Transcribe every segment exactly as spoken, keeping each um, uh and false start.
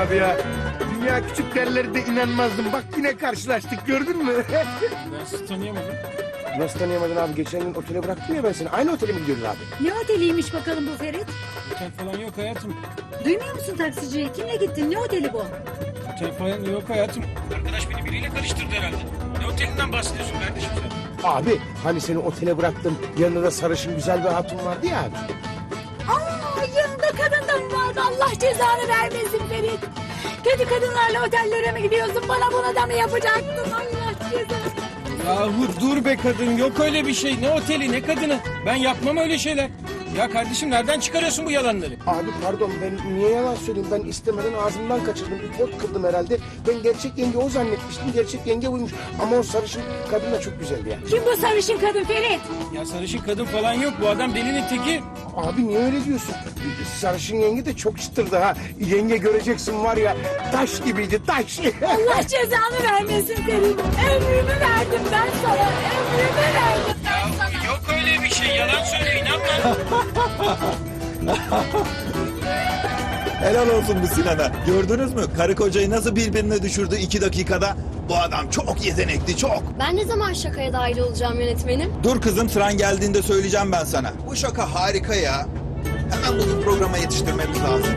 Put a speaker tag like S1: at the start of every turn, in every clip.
S1: abi ya. Dünya küçük derleri de inanmazdım. Bak yine karşılaştık, gördün mü?
S2: Ben sizi tanıyamadım.
S1: Nasıl tanıyamadın abi? Geçen gün otele bıraktım ya ben seni. Aynı otele mi gidiyoruz abi?
S3: Ne oteliymiş bakalım bu Ferit?
S2: Otel falan yok hayatım.
S3: Duymuyor musun taksiciyi? Kimle gittin? Ne oteli bu?
S2: Otel falan yok hayatım. Arkadaş beni biriyle karıştırdı herhalde. Ne otelinden bahsediyorsun kardeşim sen?
S1: Abi hani seni otele bıraktım. Yanında da sarışın güzel bir hatun vardı ya abi.
S3: Aa, yanında kadın da mı vardı? Allah cezanı vermesin Ferit. Kötü kadınlarla otellere mi gidiyorsun? Bana bunu da mı yapacaktın? Allah cezanı.
S2: Yahu dur be kadın, yok öyle bir şey. Ne oteli ne kadını. Ben yapmam öyle şeyler. Ya kardeşim nereden çıkarıyorsun bu yalanları?
S1: Abi pardon, ben niye yalan söyleyeyim? Ben istemeden ağzımdan kaçırdım. Bir pot kırdım herhalde. Ben gerçek yenge o zannetmiştim. Gerçek yenge buymuş. Ama o sarışın kadın da çok güzeldi ya.
S3: Kim bu sarışın kadın Ferit?
S2: Ya sarışın kadın falan yok. Bu adam delinin teki.
S1: Abi niye öyle diyorsun? Sarışın yenge de çok çıtırdı ha. Yenge göreceksin var ya, taş gibiydi, taş.
S3: Allah cezanı vermesin Ferit. Ömrümü verdim ben sana. Ömrümü verdim ben sana.
S2: Yok öyle bir şey. Yalan söyle, inanma.
S4: Helal olsun bu Sinan'a. Gördünüz mü? Karı kocayı nasıl birbirine düşürdü iki dakikada? Bu adam çok yetenekli, çok.
S5: Ben ne zaman şakaya dahil olacağım yönetmenim?
S4: Dur kızım, sıran geldiğinde söyleyeceğim ben sana. Bu şaka harika ya. Hemen bunu programa yetiştirmemiz lazım.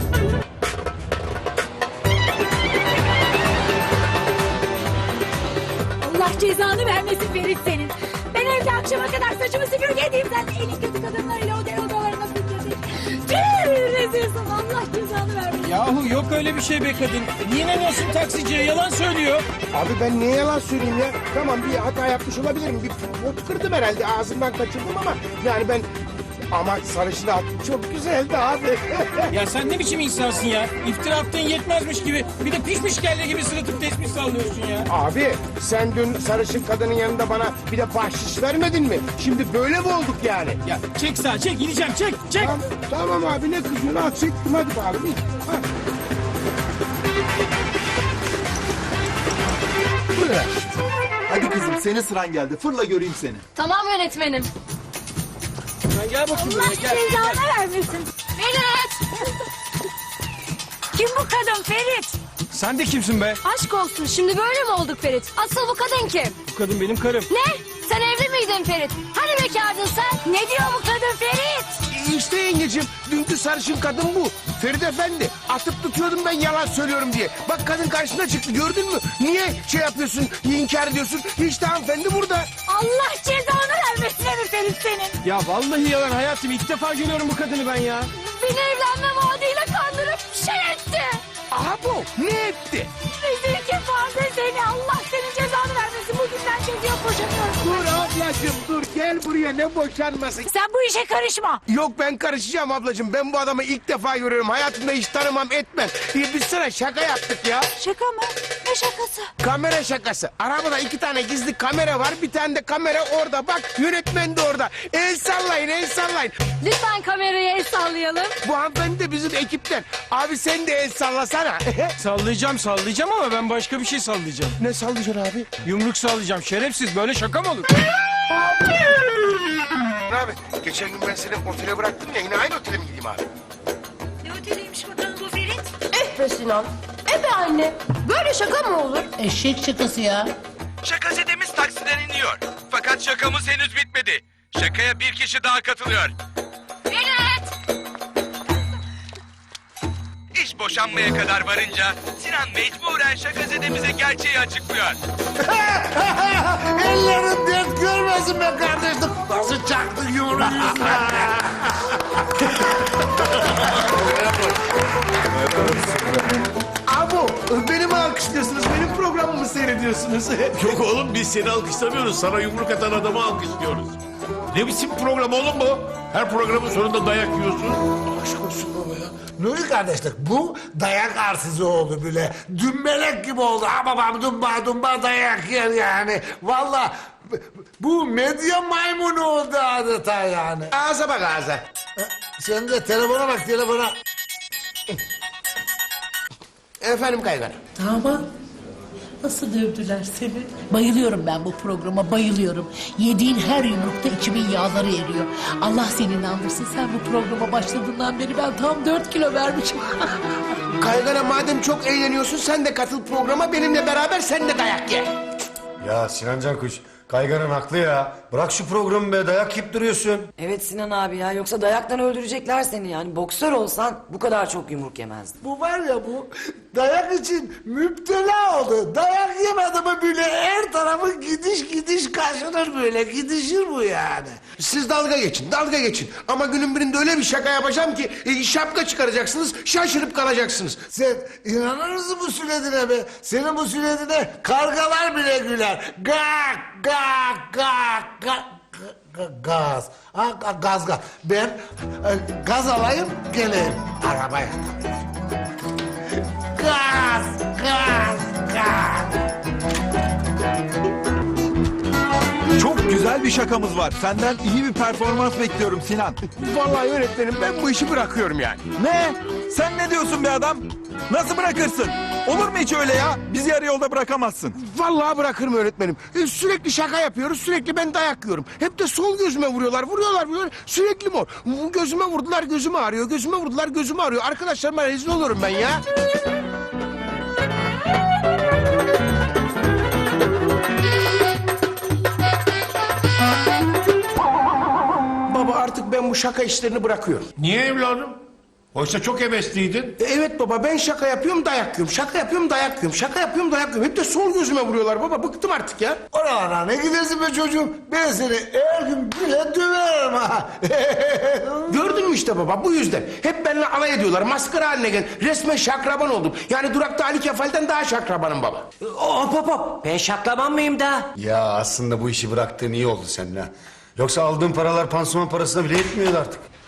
S3: Allah cezanı vermesin Ferit senin. Ben evde akşama kadar saçımı süpürge edeyim. Sen de en iyi kötü kadınlarıyla otel odalarına süpürdün. Tüh, rezilsin. Allah cezanı vermesin.
S2: Yahu yok öyle bir şey be kadın. Niye inanıyorsun taksiciye? Yalan söylüyor.
S1: Abi ben niye yalan söyleyeyim ya? Tamam, bir hata yapmış olabilirim. Bir pot kırdım herhalde, ağzımdan kaçırdım ama... Yani ben... Ama sarışın hatun çok güzeldi abi.
S2: Ya sen ne biçim insansın ya? İftira attığın yetmezmiş gibi. Bir de pişmiş kelle gibi sırıtıp tesbih sallıyorsun ya.
S1: Abi sen dün sarışın kadının yanında bana bir de bahşiş vermedin mi? Şimdi böyle mi olduk yani?
S2: Ya çek sağa çek, gideceğim çek çek.
S1: Tamam, tamam abi, ne kızıyorsun? Al çektim, hadi bakalım. Ha.
S4: Fırla. Hadi kızım, senin sıran geldi. Fırla göreyim seni.
S5: Tamam yönetmenim.
S2: Sen gel bakayım
S3: Allah
S2: buraya gel.
S3: cezanı vermesin. Ferit! Kim bu kadın Ferit?
S2: Sen de kimsin be?
S5: Aşk olsun, şimdi böyle mi olduk Ferit? Asıl bu kadın kim?
S2: Bu kadın benim karım.
S5: Ne? Sen evli miydin Ferit? Hani bekardın sen?
S3: Ne diyor bu kadın Ferit?
S1: İşte yengeciğim, dünkü sarışın kadın bu. Ferit Efendi, atıp tutuyordum ben yalan söylüyorum diye. Bak kadın karşına çıktı, gördün mü? Niye şey yapıyorsun, inkar ediyorsun? İşte hanımefendi burada.
S3: Allah cezanı vermesin herif Ferit senin.
S2: Ya vallahi yalan hayatım. İlk defa görüyorum bu kadını ben ya.
S5: Beni evlenme vaadiyle kandırıp şey etti.
S1: Aha bu, ne etti?
S3: Rezil kefaze seni. Allah senin cezanı vermesin. Bugünden çocuğa boşanıyorum.
S1: Dur ablacığım dur, gel buraya, ne boşanması.
S3: Sen bu işe karışma.
S1: Yok, ben karışacağım ablacığım. Ben bu adamı ilk defa görüyorum. Hayatımda hiç tanımam etmem. Ee, Biz sana şaka yaptık ya.
S3: Şaka mı? Ne şakası?
S1: Kamera şakası. Arabada iki tane gizli kamera var. Bir tane de kamera orada. Bak, yönetmen de orada. El sallayın, el sallayın.
S5: Lütfen kamerayı el sallayalım.
S1: Bu hanımefendi de bizim ekipten. Abi sen de el sallasana.
S2: Sallayacağım sallayacağım ama ben başka bir şey sallayacağım.
S1: Ne sallayacaksın abi?
S2: Yumruk sallayacağım. Şerefsiz, böyle şaka mı olur?
S1: Abi geçen gün ben seni otele bıraktım ya. Yine aynı otele mi gideyim abi?
S3: Ne oteliymiş bakalım bu Ferit?
S5: Eh be Sinan. Eh be anne. Böyle şaka mı olur?
S6: Eşek şakası ya.
S7: Şakazetemiz taksiden iniyor. Fakat şakamız henüz bitmedi. Şakaya bir kişi daha katılıyor.
S5: Ferit!
S7: İş boşanmaya kadar varınca Sinan mecburen şakazetemize gerçeği açıklıyor.
S6: Ellerin dert görmesin be kardeşim. Nasıl çaktın yumruğunu?
S1: Abu, beni mi alkışlıyorsunuz? Benim programımı seyrediyorsunuz.
S8: Yok oğlum, biz seni alkışlamıyoruz. Sana yumruk atan adamı alkışlıyoruz. Ne biçim program oğlum bu? Her programın sonunda dayak yiyorsun.
S6: Aşk olsun baba ya. Nuri kardeşlik bu dayak arsızı oldu bile. Dümbelek gibi oldu. Ha babam dumba dumba dayak yer yani. Vallahi bu medya maymunu oldu adeta yani.
S1: Ağza bak ağza.
S6: Sen de telefona bak telefona.
S1: Efendim Kaygan.
S6: Tamam.
S9: Nasıl dövdüler seni? Bayılıyorum ben bu programa, bayılıyorum. Yediğin her yumrukta içimin yağları eriyor. Allah seni inandırsın. Sen bu programa başladığından beri ben tam dört kilo vermişim.
S1: Kaygana madem çok eğleniyorsun sen de katıl programa benimle beraber sen de dayak ye.
S10: Ya Sinan Cankuş, Kaygan'ın haklı ya. Bırak şu programı be, dayak yiyip duruyorsun.
S11: Evet Sinan abi ya, yoksa dayaktan öldürecekler seni yani. Boksör olsan bu kadar çok yumruk yemezdin.
S6: Bu var ya bu dayak için müptela oldu. Dayak yemedi mi böyle her tarafı gidiş gidiş kaşınır böyle. Gidişir bu yani.
S1: Siz dalga geçin, dalga geçin. Ama günün birinde öyle bir şaka yapacağım ki e, şapka çıkaracaksınız, şaşırıp kalacaksınız.
S6: Sen inanır mısın bu sünnetine be? Senin bu sünnetine kargalar bile güler. Gak gak gak gak. Ga- Gaz. Ha, ga- gaz gaz. Ben e, gaz alayım geleyim arabaya. Gaz gaz gaz.
S4: Çok güzel bir şakamız var. Senden iyi bir performans bekliyorum Sinan.
S1: Vallahi öğretmenim ben bu işi bırakıyorum yani.
S4: Ne? Sen ne diyorsun be adam? Nasıl bırakırsın? Olur mu hiç öyle ya? Bizi yarı yolda bırakamazsın.
S1: Vallahi bırakırım öğretmenim. E, sürekli şaka yapıyoruz, sürekli ben dayak yiyorum. Hep de sol gözüme vuruyorlar, vuruyorlar, vuruyorlar. Sürekli mor. Bu Gözüme vurdular, gözüm ağrıyor. Gözüme vurdular, gözüm ağrıyor. Arkadaşlarıma rezil olurum ben ya. Baba artık ben bu şaka işlerini bırakıyorum.
S8: Niye evladım? Oysa çok hevesliydin.
S1: E, Evet baba ben şaka yapıyorum dayak yiyorum. Şaka yapıyorum dayak yiyorum. Şaka yapıyorum dayak yiyorum. Hep de sol gözüme vuruyorlar baba. Bıktım artık ya.
S6: Oralara ne gidersin be çocuğum? Ben seni her gün bile döverim ha.
S1: Gördün mü işte baba bu yüzden. Hep benimle alay ediyorlar. Maskara haline gel. Resmen şakraban oldum. Yani durakta Ali Kefal'den daha şakrabanım baba.
S11: Hop hop hop, ben şaklaban mıyım da?
S10: Ya aslında bu işi bıraktığın iyi oldu senin ha. Yoksa aldığın paralar pansuman parasına bile yetmiyordu artık.